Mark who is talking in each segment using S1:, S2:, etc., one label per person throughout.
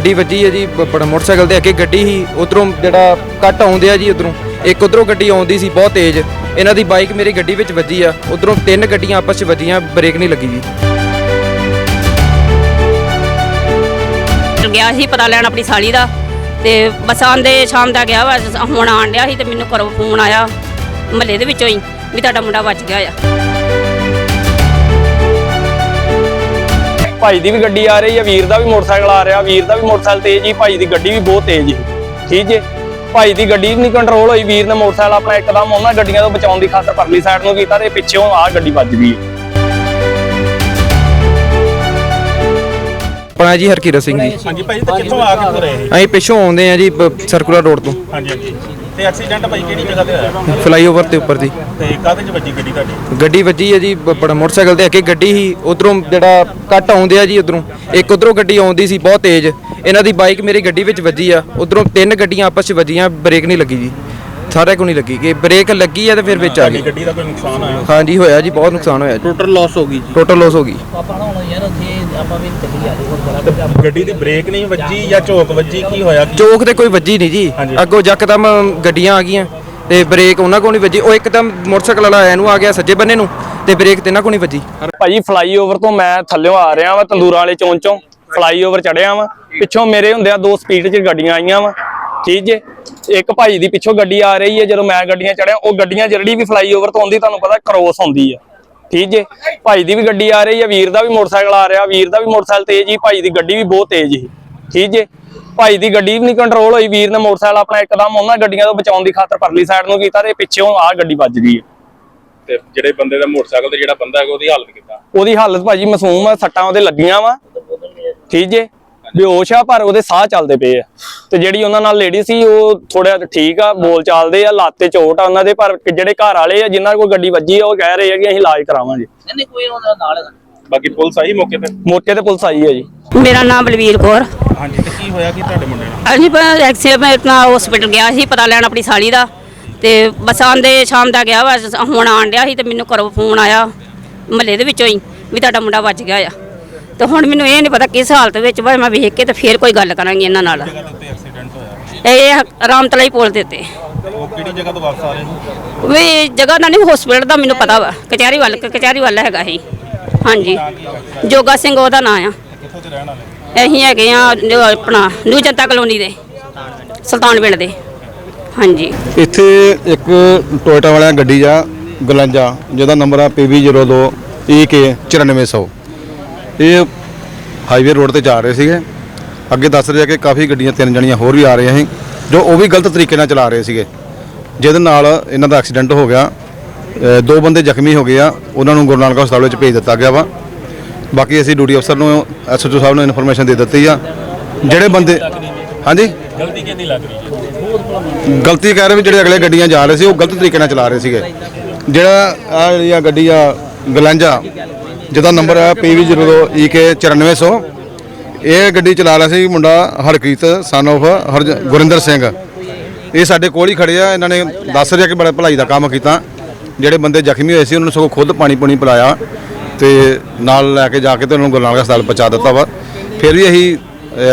S1: ਗੱਡੀ ਵੱਜੀ ਹੈ ਜੀ ਬੜਾ ਮੋਟਰਸਾਈਕਲ ਦੇ ਅੱਗੇ ਗੱਡੀ ਸੀ ਉਧਰੋਂ ਜਿਹੜਾ ਕੱਟ ਆਉਂਦੇ ਆ ਜੀ ਉਧਰੋਂ ਇੱਕ ਉਧਰੋਂ ਗੱਡੀ ਆਉਂਦੀ ਸੀ ਬਹੁਤ ਤੇਜ਼ ਇਹਨਾਂ ਦੀ ਬਾਈਕ ਮੇਰੀ ਗੱਡੀ ਵਿੱਚ ਵੱਜੀ ਆ ਉਧਰੋਂ ਤਿੰਨ ਗੱਡੀਆਂ ਆਪਸ 'ਚ ਵੱਜੀਆਂ ਬ੍ਰੇਕ ਨਹੀਂ ਲੱਗੀ ਜੀ।
S2: ਗਿਆ ਸੀ ਪਤਾ ਲੈਣ ਆਪਣੀ ਸਾਲੀ ਦਾ ਤੇ ਬਸ ਆਂਦੇ ਸ਼ਾਮ ਦਾ ਗਿਆ ਵਾ ਹੁਣ ਆਣ ਡਿਆ ਸੀ ਤੇ ਮੈਨੂੰ ਘਰੋਂ ਫੋਨ ਆਇਆ ਮਹੱਲੇ ਦੇ ਵਿੱਚੋਂ ਹੀ ਵੀ ਤੁਹਾਡਾ ਮੁੰਡਾ ਬਚ ਗਿਆ ਆ।
S3: ਭਾਈ ਦੀ ਵੀ ਗੱਡੀ ਆ ਰਹੀ ਹੈ, ਵੀਰ ਦਾ ਵੀ ਮੋਟਰਸਾਈਕਲ ਆ ਰਿਹਾ, ਵੀਰ ਦਾ ਵੀ ਮੋਟਰਸਾਈਕਲ ਤੇਜ਼ ਹੀ, ਭਾਈ ਦੀ ਗੱਡੀ ਵੀ ਬਹੁਤ ਤੇਜ਼ ਹੀ। ਠੀਕ ਜੇ ਭਾਈ ਦੀ ਗੱਡੀ ਨਹੀਂ ਕੰਟਰੋਲ ਹੋਈ, ਵੀਰ ਨੇ ਮੋਟਰਸਾਈਕਲ ਆਪਣਾ ਇੱਕਦਮ ਉਹਨਾਂ ਗੱਡੀਆਂ ਤੋਂ ਬਚਾਉਣ ਦੀ ਖਾਤਰ ਪਰਲੀ ਸਾਈਡ ਨੂੰ ਕੀਤਾ ਤੇ ਪਿੱਛੋਂ ਆਹ ਗੱਡੀ ਵੱਜ ਗਈ।
S1: ਆਪਣਾ ਜੀ ਹਰਕੀਰਤ ਸਿੰਘ ਜੀ।
S4: ਹਾਂਜੀ ਭਾਈ ਤੇ ਕਿੱਥੋਂ ਆ ਕੇ ਰਹੇ?
S1: ਅਸੀਂ ਪਿੱਛੋਂ ਆਉਂਦੇ ਆ ਜੀ ਸਰਕੂਲਰ ਰੋਡ ਤੋਂ।
S4: ਹਾਂਜੀ ਹਾਂਜੀ ਤੇ ਐਕਸੀਡੈਂਟ ਭਾਈ ਕਿਹੜੀ ਜਗ੍ਹਾ ਤੇ ਹੋਇਆ?
S1: ਫਲਾਈਓਵਰ ਤੇ ਉੱਪਰ ਜੀ।
S4: ਤੇ ਕਾਹਦੇ ਚ ਵੱਜੀ ਗੱਡੀ ਤੁਹਾਡੀ?
S1: ਗੱਡੀ ਵੱਜੀ ਹੈ ਜੀ ਬੜਾ ਮੋਟਰਸਾਈਕਲ ਦੇ ਅੱਗੇ ਗੱਡੀ ਸੀ ਉਧਰੋਂ ਜਿਹੜਾ ਕੱਟ ਆਉਂਦੇ ਆ ਜੀ ਉਧਰੋਂ ਇੱਕ ਉਧਰੋਂ ਗੱਡੀ ਆਉਂਦੀ ਸੀ ਬਹੁਤ ਤੇਜ਼ ਇਹਨਾਂ ਦੀ ਬਾਈਕ ਮੇਰੀ ਗੱਡੀ ਵਿੱਚ ਵੱਜੀ ਆ ਉਧਰੋਂ ਤਿੰਨ ਗੱਡੀਆਂ ਆਪਸ 'ਚ ਵੱਜੀਆਂ ਬ੍ਰੇਕ ਨਹੀਂ ਲੱਗੀ ਜੀ। ਸਾਰਿਆਂ ਕੋਲ ਨਹੀਂ ਲੱਗੀ ਕਿ ਬ੍ਰੇਕ ਲੱਗੀ ਆ ਤੇ ਫਿਰ ਵਿੱਚ ਆ ਗਈ।
S4: ਗੱਡੀ ਦਾ ਕੋਈ ਨੁਕਸਾਨ ਆਇਆ?
S1: ਹਾਂਜੀ ਹੋਇਆ ਜੀ ਬਹੁਤ ਨੁਕਸਾਨ ਹੋਇਆ ਜੀ।
S5: ਟੋਟਲ ਲਾਸ ਹੋ ਗਈ ਜੀ।
S1: ਟੋਟਲ ਲਾਸ ਹੋ ਗਈ।
S4: ਗੱਡੀ ਦੀ ਬ੍ਰੇਕ ਨਹੀਂ ਵੱਜੀ ਜਾਂ ਝੋਕ ਵੱਜੀ, ਕੀ ਹੋਇਆ?
S1: ਚੌਕ ਤੇ ਕੋਈ ਵੱਜੀ ਨਹੀਂ ਜੀ ਅੱਗੋਂ ਯਕਦਮ ਗੱਡੀਆਂ ਆ ਗਈਆਂ ਤੇ ਬ੍ਰੇਕ ਉਹਨਾਂ ਕੋਲ ਨਹੀਂ ਵੱਜੀ ਉਹ ਇੱਕਦਮ ਮੋਟਰਸਾਈਕਲ ਵਾਲਾ ਇਹਨੂੰ ਆ ਗਿਆ ਸੱਜੇ ਬੰਨੇ ਨੂੰ ਤੇ ਬ੍ਰੇਕ ਤੇ ਇਹਨਾਂ ਕੋਲ ਨਹੀਂ ਵੱਜੀ।
S3: ਭਾਜੀ ਫਲਾਈਓਵਰ ਤੋਂ ਮੈਂ ਥੱਲਿਓਂ ਆ ਰਿਹਾ ਵਾ ਤੰਦੂਰਾਂ ਵਾਲੇ ਚੌਂਕ ਚੋਂ ਫਲਾਈਓਵਰ ਚੜਿਆ ਵਾ ਪਿੱਛੋਂ ਮੇਰੇ ਹੁੰਦਿਆਂ ਦੋ ਸਪੀਡ 'ਚ ਗੱਡੀਆਂ ਆਈਆਂ ਵਾ। ਠੀਕ ਜੇ ਇੱਕ ਭਾਈ ਦੀ ਪਿੱਛੋਂ ਗੱਡੀ ਆ ਰਹੀ ਹੈ ਜਦੋਂ ਮੈਂ ਗੱਡੀਆਂ ਚੜਿਆ ਉਹ ਗੱਡੀਆਂ ਜਿਹੜੀ ਵੀ ਫਲਾਈਓਵਰ ਤੋਂ ਆਉਂਦੀ ਤੁਹਾਨੂੰ ਪਤਾ ਕ੍ਰੋਸ ਹੁੰਦੀ ਆ। ਠੀਕ ਜੇ ਭਾਈ ਦੀ ਵੀ ਗੱਡੀ ਆ ਰਹੀ ਹੈ, ਵੀਰ ਦਾ ਵੀ ਮੋਟਰਸਾਈਕਲ ਆ ਰਿਹਾ, ਵੀਰ ਦਾ ਵੀ ਮੋਟਰਸਾਈਕਲ ਤੇਜ਼ ਹੀ, ਭਾਈ ਦੀ ਗੱਡੀ ਵੀ ਬਹੁਤ ਤੇਜ਼ ਹੀ। ਠੀਕ ਜੇ ਭਾਈ ਦੀ ਗੱਡੀ ਵੀ ਨਹੀਂ ਕੰਟਰੋਲ ਹੋਈ, ਵੀਰ ਨੇ ਮੋਟਰਸਾਈਕਲ ਆਪਣਾ ਇੱਕਦਮ ਉਹਨਾਂ ਗੱਡੀਆਂ ਤੋਂ ਬਚਾਉਣ ਦੀ ਖਾਤਰ ਪਰਲੀ ਸਾਈਡ ਨੂੰ ਕੀਤਾ ਤੇ ਪਿੱਛੋਂ ਆਹ ਗੱਡੀ ਵੱਜ ਗਈ।
S4: ਤੇ ਜਿਹੜੇ ਬੰਦੇ ਦਾ ਮੋਟਰਸਾਈਕਲ ਤੇ ਜਿਹੜਾ ਬੰਦਾ ਹੈਗਾ ਉਹਦੀ ਹਾਲਤ ਕਿੱਦਾਂ?
S3: ਉਹਦੀ ਹਾਲਤ ਭਾਜੀ ਮਾਸੂਮ ਆ, ਸੱਟਾਂ ਉਹਦੇ ਲੱਗੀਆਂ ਵਾ। ਠੀਕ ਜੇ ਬੇਹੋਸ਼ ਆ ਪਰ ਉਹਦੇ ਸਾਹ ਚੱਲਦੇ ਪਏ ਆ ਤੇ ਜਿਹੜੀ ਉਹਨਾਂ ਨਾਲ ਲੇਡੀ ਸੀ ਉਹ ਥੋੜਾ ਠੀਕ ਆ, ਬੋਲ ਚਾਲਦੇ ਆ, ਲੱਤ ਤੇ ਚੋਟ ਆ ਉਹਨਾਂ ਦੇ। ਪਰ ਜਿਹੜੇ ਘਰ ਵਾਲੇ ਆ ਜਿਨ੍ਹਾਂ ਕੋਲ ਗੱਡੀ ਵੱਜੀ ਆ ਉਹ ਕਹਿ ਰਹੇ ਆ ਕਿ ਅਸੀਂ ਇਲਾਜ ਕਰਾਵਾਂਗੇ।
S5: ਨਹੀਂ ਕੋਈ ਉਹਦਾ ਨਾਲ
S4: ਬਾਕੀ ਪੁਲਿਸ ਆਈ ਮੌਕੇ ਤੇ
S3: ਪੁਲਿਸ ਆਈ ਹੈ ਜੀ।
S2: ਮੇਰਾ ਨਾਮ ਬਲਵੀਰ ਕੌਰ।
S4: ਹਾਂਜੀ ਤੇ ਕੀ ਹੋਇਆ ਕਿ ਤੁਹਾਡੇ ਮੁੰਡੇ ਨਾਲ?
S2: ਅਸੀਂ ਐਕਸੀਡੈਂਟ ਨਾਲ ਹਸਪੀਟਲ ਗਿਆ ਸੀ ਪਤਾ ਲੈਣ ਆਪਣੀ ਸਾਲੀ ਦਾ ਤੇ ਬਸ ਆਂਦੇ ਸ਼ਾਮ ਦਾ ਗਿਆ ਵਾ ਹੁਣ ਆਣ ਡਿਆ ਸੀ ਤੇ ਮੈਨੂੰ ਘਰੋਂ ਫੋਨ ਆਇਆ ਮਹੱਲੇ ਦੇ ਵਿੱਚੋਂ ਹੀ ਵੀ ਤੁਹਾਡਾ ਮੁੰਡਾ ਬਚ ਗਿਆ ਆ। ਤੇ ਹੁਣ ਮੈਨੂੰ ਇਹ ਨਹੀਂ ਪਤਾ ਕਿਸ ਹਾਲਤ ਵਿੱਚ ਵਾ, ਮੈਂ ਵੇਖ ਕੇ ਤੇ ਫੇਰ ਕੋਈ ਗੱਲ ਕਰਾਂਗੀ ਇਹਨਾਂ ਨਾਲ।
S4: ਐਕਸੀਡੈਂਟ ਹੋਇਆ
S2: ਇਹ ਰਾਮਤਲਾਈ ਪੁਲ ਦੇ ਉੱਤੇ।
S4: ਉਹ ਕਿਹੜੀ ਜਗ੍ਹਾ ਤੋਂ ਵਾਪਸ ਆ ਰਹੇ ਸੀ?
S2: ਵੀ ਜਗ੍ਹਾ ਦਾ ਨਹੀਂ ਹਸਪੀਟਲ ਦਾ ਮੈਨੂੰ ਪਤਾ ਵਾ, ਕਚਹਿਰੀ ਵੱਲ ਹੈਗਾ ਸੀ। ਹਾਂਜੀ ਜੋਗਾ ਸਿੰਘ ਉਹਦਾ ਨਾਂ ਆ।
S4: ਕਿੱਥੋਂ ਦੇ ਰਹਿਣ ਵਾਲੇ?
S2: ਅਸੀਂ ਹੈਗੇ ਆ ਆਪਣਾ ਨਿਊ ਜਨਤਾ ਕਲੋਨੀ ਦੇ ਸੁਲਤਾਨ ਪਿੰਡ ਦੇ। ਹਾਂਜੀ
S6: ਇੱਥੇ ਇੱਕ ਟੋਇਟਾ ਵਾਲਿਆਂ ਗੱਡੀ ਆ ਗਲੰਜਾ ਜਿਹਦਾ ਨੰਬਰ ਆ PB02 EK 9400। ਇਹ ਹਾਈਵੇ ਰੋਡ ਤੇ ਜਾ ਰਹੇ ਸੀਗੇ। ਅੱਗੇ ਦੱਸ ਰਿਹਾ ਕਿ ਕਾਫੀ ਗੱਡੀਆਂ ਤਿੰਨ ਜਣੀਆਂ ਹੋਰ ਵੀ ਆ ਰਹੀਆਂ ਸੀ ਜੋ ਉਹ ਵੀ ਗਲਤ ਤਰੀਕੇ ਨਾਲ ਚਲਾ ਰਹੇ ਸੀਗੇ ਜਿਹਦੇ ਨਾਲ ਇਹਨਾਂ ਦਾ ਐਕਸੀਡੈਂਟ ਹੋ ਗਿਆ। ਦੋ ਬੰਦੇ ਜ਼ਖਮੀ ਹੋ ਗਏ ਆ, ਉਹਨਾਂ ਨੂੰ ਗੁਰੂ ਨਾਨਕ ਹਸਪਤਾਲ ਵਿੱਚ ਭੇਜ ਦਿੱਤਾ ਗਿਆ ਵਾ। ਬਾਕੀ ਅਸੀਂ ਡਿਊਟੀ ਅਫਸਰ ਨੂੰ SHO ਸਾਹਿਬ ਨੂੰ ਇਨਫੋਰਮੇਸ਼ਨ ਦੇ ਦਿੱਤੀ ਆ। ਜਿਹੜੇ ਬੰਦੇ ਹਾਂਜੀ
S4: ਗਲਤੀ ਕਿਹਦੀ ਲੱਗ ਰਹੀ ਹੈ?
S6: ਗਲਤੀ ਕਹਿ ਰਹੇ ਵੀ ਜਿਹੜੇ ਅਗਲੇ ਗੱਡੀਆਂ ਜਾ ਰਹੇ ਸੀ ਉਹ ਗਲਤ ਤਰੀਕੇ ਨਾਲ ਚਲਾ ਰਹੇ ਸੀਗੇ। ਜਿਹੜਾ ਆ ਜਿਹੜੀ ਗੱਡੀ ਆ ਗਲੰਜਾ ਜਿਹਦਾ ਨੰਬਰ ਹੈ PB02 EK 9400 ਇਹ ਗੱਡੀ ਚਲਾ ਰਿਹਾ ਸੀ ਮੁੰਡਾ ਹਰਕੀਤ ਸਨ ਆਫ ਗੁਰਿੰਦਰ ਸਿੰਘ। ਇਹ ਸਾਡੇ ਕੋਲ ਹੀ ਖੜੇ ਆ। ਇਹਨਾਂ ਨੇ ਦੱਸ ਰਿਹਾ ਕਿ ਬੜਾ ਭਲਾਈ ਦਾ ਕੰਮ ਕੀਤਾ। ਜਿਹੜੇ ਬੰਦੇ ਜ਼ਖਮੀ ਹੋਏ ਸੀ ਉਹਨਾਂ ਨੂੰ ਸਗੋਂ ਖੁਦ ਪਾਣੀ ਪਿਲਾਇਆ ਤੇ ਨਾਲ ਲੈ ਕੇ ਜਾ ਕੇ ਤੇ ਉਹਨਾਂ ਨੂੰ ਗੁਰੂ ਨਾਨਕ ਹਸਪਤਾਲ ਪਹੁੰਚਾ ਦਿੱਤਾ ਵਾ। ਫਿਰ ਵੀ ਅਸੀਂ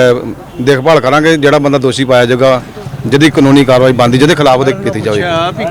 S6: ਦੇਖਭਾਲ ਕਰਾਂਗੇ ਜਿਹੜਾ ਬੰਦਾ ਦੋਸ਼ੀ ਪਾਇਆ ਜਾਊਗਾ ਜਿਹਦੀ ਕਾਨੂੰਨੀ ਕਾਰਵਾਈ ਬਣਦੀ ਜਿਹਦੇ ਖਿਲਾਫ ਉਹਦੇ ਕੀਤੀ ਜਾਵੇ।